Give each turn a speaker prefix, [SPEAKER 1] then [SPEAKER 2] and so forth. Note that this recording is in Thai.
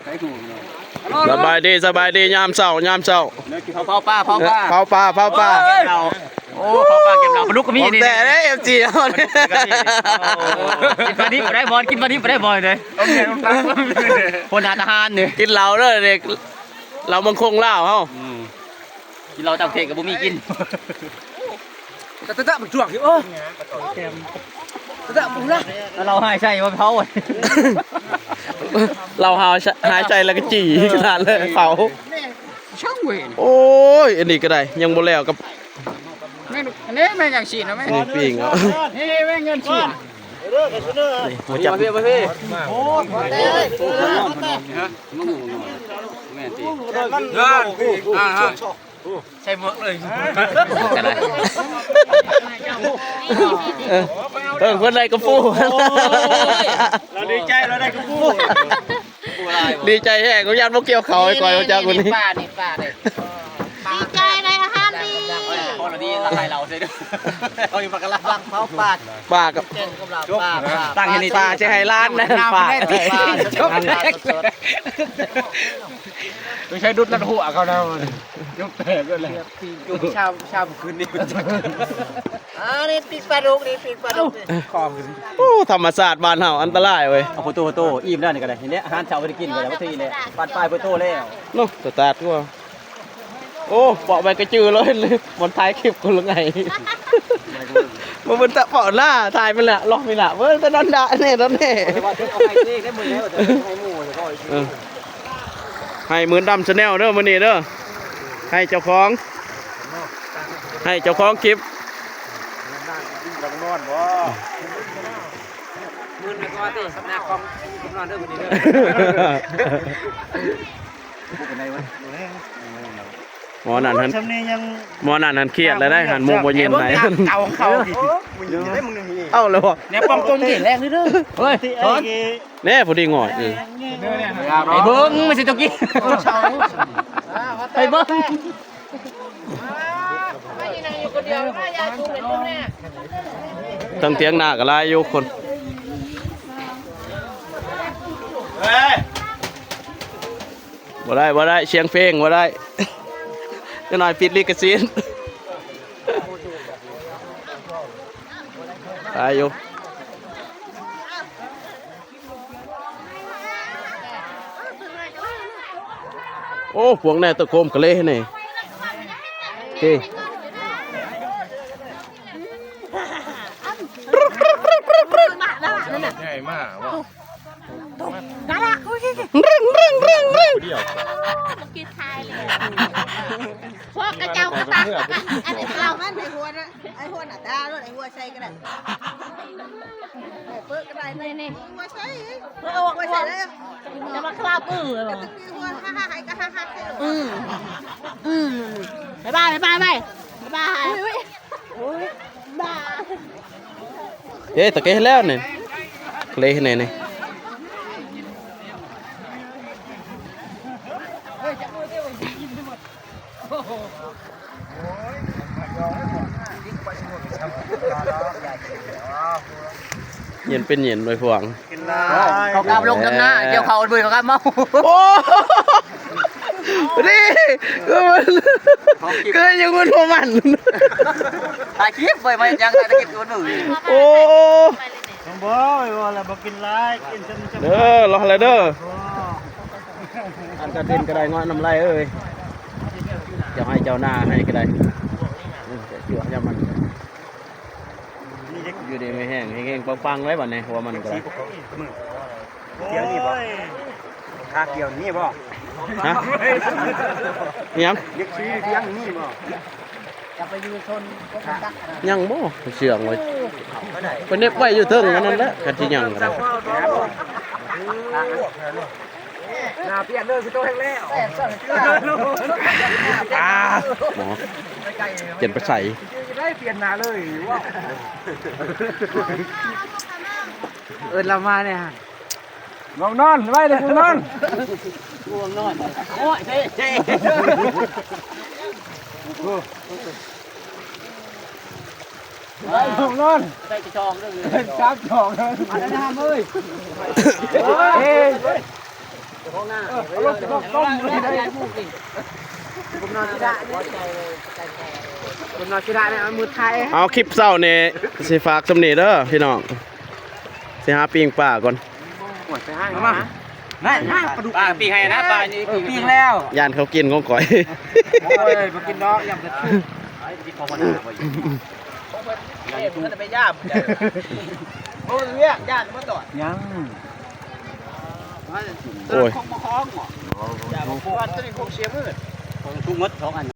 [SPEAKER 1] สบายดียามเช้
[SPEAKER 2] เผาปลา
[SPEAKER 1] เผาปลา
[SPEAKER 2] โอ้เผาปลาเก็บเราปลาดุกก็มีนี่
[SPEAKER 1] แต่ได้เอฟจีเอาเนี่ย
[SPEAKER 2] กินปลาดิบได้บอลกินปลาดิบได้บอลเลยคนอาทหารเนี่ย
[SPEAKER 1] กินเหล้าเด้อเด็กเรามังคงเหล้าเฮา
[SPEAKER 2] กินเราจับเทกับบุมีกิน
[SPEAKER 3] ตะมันจวกอยู่โอ้ตะมึงนะ
[SPEAKER 2] แล้วเราหายใจมาเผา
[SPEAKER 1] เราหายใจแล้วก็จี่ขนาดเลยเผา
[SPEAKER 3] ช่างเวร
[SPEAKER 1] โอ้ยอันนี้ก็ได้ยังบ่แล้วกับ
[SPEAKER 3] แม่อันนี้แม่อย่างฉีดนะแม่
[SPEAKER 1] นี่ปิ้งเอา
[SPEAKER 3] นี่แม่เงินฉีด
[SPEAKER 1] หัวจับ
[SPEAKER 3] โอ้ใช่เมือกเลย
[SPEAKER 1] คนใดก็ฟู
[SPEAKER 3] เราดีใจเราได้กระปู
[SPEAKER 1] ดีใจแห้งกูยันพวกเกี่ยวเขาไอ้ก่อยมาจากคนนี้
[SPEAKER 3] ป้านี่
[SPEAKER 4] ดีใจในอาหารดี
[SPEAKER 2] พอเราดีละลายเราใช่ด้วยเราอยู่ปากกาลัง
[SPEAKER 3] เขาปาด
[SPEAKER 1] ป้ากับ
[SPEAKER 3] เจนกับเราป้า
[SPEAKER 1] ตั้งให้นี่ป้าใช่ไฮร้านนะป้า
[SPEAKER 3] จบแรกไม่ใช่ดุดลัดหัวเขาแล้วยกแตกก็เลยอยู่ชาวคืนนี้นี่ปีกปลาดุกนี่ปีกปลาดุกคอคืน
[SPEAKER 1] โอ้ธรรมศาสตร์บ้านเฮาอันตรายเว้ย
[SPEAKER 2] เอาโตอิ่มแล้วนี่ก็ได้ทีนี้อาหารเช้าไปกินกันแล้วทีนี้ปัดปลายโตแล้ว
[SPEAKER 1] เนาะสตาร์ทกูโอ้เปาะไปกระจือเลยบนท้ายคลิปกูละไงมันเป็นตะเปาะหน้าถ่ายมันแหละล็อกมันแหละเว้ยตะดอนดะเนี่ยตอนนี้
[SPEAKER 2] เอาไข่เต้ได้หมดแล้วแต่ให้หมูแล้วก็
[SPEAKER 1] ให้หมื่นดำชาแนลเด้อมื้อนี้เด้อให้เจ้าของคลิป
[SPEAKER 3] มือในก้อนที่สำนักของคุณนอนเด้อคนนี้เด้อ
[SPEAKER 1] หมอนั่นหันเครียดแล้วได้หันมุมบ่เย็นไหน
[SPEAKER 3] เก่าเขา
[SPEAKER 1] เอ้าแล้วบ่
[SPEAKER 3] เนี่ยป้องตรงที่แรกนี่เด้อ
[SPEAKER 2] เฮ้ย
[SPEAKER 1] แน่พอดีง่อย
[SPEAKER 2] ไอ้เบิ้งไม่ใช่ตะกี้ไอ้เบิ้ง
[SPEAKER 4] ไม่ยืนนั่งอยู่คนเดียวไม่ยายกูเห็นตรงนี้
[SPEAKER 1] ทั้งเตียงหน้าก็หลายอยู่คนบ่ได้เสียงเพลงบ่ได้จะหน่อยปิดลิขสิทธิ์ตายอยู่โอ้พวงแน่ตะโคมกะเละนี่โอเค
[SPEAKER 4] กินทายเลยพวกกระเจ้ากระตักอันนี้เรามันไอ้หัวนะไอ้หัวหน้าตาด้วยไอ้หัวใส่ก็ได้เปิดก็ได้นี่หัวใส่หัวใส่ได้จะมาคลาบเลยเหรอหัวฮ่าฮ่าก็ฮ่าฮ่าบ๊ายบายบ้า
[SPEAKER 1] เอ๊ะตะเกะแล้วนี่เละนี่นี่เย็นเป็นเย็นโดยพวง
[SPEAKER 2] เขากลับลงน้ำหน้าเกี่ยวเขาเบื่อเขากลับเมา
[SPEAKER 1] โอ้นี่ก็ยังมันพอมัน
[SPEAKER 2] ถ่ายคลิปไปไหมยังถ่ายคลิปตัวหนึ่ง
[SPEAKER 1] โอ้เด้อรออะไรเด้ออันกระเด็นก็ได้งอน้ำลายเอ้ยเจ้าให้เจ้าหน้าให้ก็ได้จั่วจะมันอยู่ดีไม่แห้งแห้งปังๆไว้บ่เนี่ยหัวมันก็ได้
[SPEAKER 3] เกี่ยวนี่บ่คาเกี่ยวนี่บ่
[SPEAKER 1] ฮะยัง
[SPEAKER 3] ยึกชี้เที่ยงนี่บ่
[SPEAKER 1] ยังบ่เชื่องไว้เป็นเน็บไว้อยู่เทิงนั่นแหละกันที่ยังก็ได้
[SPEAKER 3] หน้าเปลี่ยนเลยคือตัวแห้งแล้ว
[SPEAKER 1] หมอเปลี่ยนไปใส่
[SPEAKER 3] ได้เปลี่ยนหน้าเลยว่าเรามาเนี่ยง่วงนอนไว้เลยง่วงนอน
[SPEAKER 2] โอ้ยเท่
[SPEAKER 3] ง่วงนอน
[SPEAKER 2] ใส่กระชองด้วย
[SPEAKER 3] ชักจองเลยอะไรนะเฮ้ยห้องหน้าเอารถต้มเลยได้ผมนอนที่ได้ผมนอนที่ได้เนี่ยเอามือไทย
[SPEAKER 1] เอาคลิปเศร้านี่สิฝากสำเนีเด้อพี่น้องสิหาปิ้งป่าก่อน
[SPEAKER 3] ไปห้างมาได้ปลาดุก
[SPEAKER 2] ปลาปีให้นะปลานี่
[SPEAKER 3] ปีงแล้ว
[SPEAKER 1] ย่านเขากินของก่อย
[SPEAKER 3] โอ้ยมากินดอกยำกระทุ่ม
[SPEAKER 2] กินพอหน้าบ่อยู่
[SPEAKER 3] มันจะไปย่ำโอ้ยเรียกย่านมาต่อยัง
[SPEAKER 1] โอ้ย
[SPEAKER 3] คล้องมาคล้องหรออย่ามาพูดว่าตัวนี้คงเสียมืด
[SPEAKER 2] ทุกมด2อัน